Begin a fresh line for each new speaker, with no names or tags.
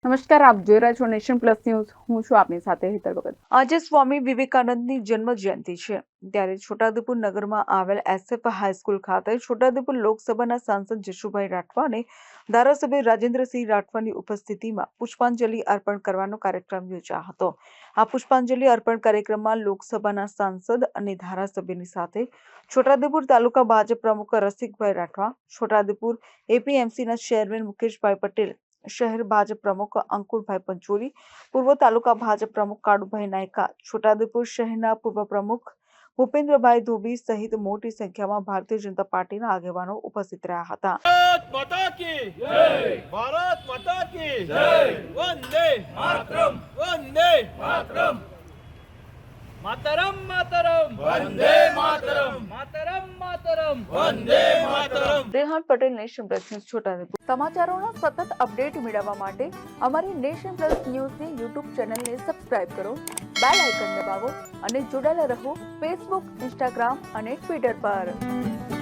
નમસ્કાર, આપ જોઈ રહ્યા છો નેશન પ્લસ ન્યૂઝ. હું છું આપની સાથે હેતલ ભગત. આજે સ્વામી વિવેકાનંદની જન્મ જયંતિ છે, ત્યારે છોટાઉદેપુર નગરમાં આવેલ એસએફ હાઈસ્કૂલ ખાતે છોટાઉદેપુર લોકસભાના સાંસદ જશુભાઈ રાઠવા અને ધારાસભ્ય રાજેન્દ્રસિંહ રાઠવાની ઉપસ્થિતિમાં પુષ્પાંજલિ અર્પણ કરવાનો કાર્યક્રમ યોજાયો હતો. આ પુષ્પાંજલિ અર્પણ કાર્યક્રમમાં લોકસભાના સાંસદ અને ધારાસભ્યની સાથે છોટાઉદેપુર તાલુકા ભાજપ પ્રમુખ રસિકભાઈ રાઠવા, છોટાઉદેપુર એપીએમસીના ચેરમેન મુકેશભાઈ પટેલ, શહેર ભાજપ પ્રમુખ અંકુરભાઈ પંચોલી, પૂર્વ તાલુકા ભાજપ પ્રમુખ કાળુભાઈ નાયકા, છોટાઉદેપુર શહેરના પૂર્વ પ્રમુખ ભૂપેન્દ્રભાઈ ધોબી સહિત મોટી સંખ્યામાં ભારતીય જનતા પાર્ટીના આગેવાનો ઉપસ્થિત રહ્યા હતા.
ભારત માતા કી જય, ભારત માતા કી જય, વંદે માતરમ, વંદે માતરમ, માતરમ માતરમ, વંદે માતરમ, માતરમ માતરમ, વંદે માતરમ.
Rehan Patel, nation plus news, Chhotaudepur. સમાચારોના સતત અપડેટ મેળવવા માટે અમારી નેશન પ્લસ ન્યૂઝની યુટ્યુબ ચેનલને સબસ્ક્રાઇબ કરો, બેલ આઇકન દબાવો અને જોડાયેલા રહો ફેસબુક, ઇન્સ્ટાગ્રામ અને ટ્વિટર પર.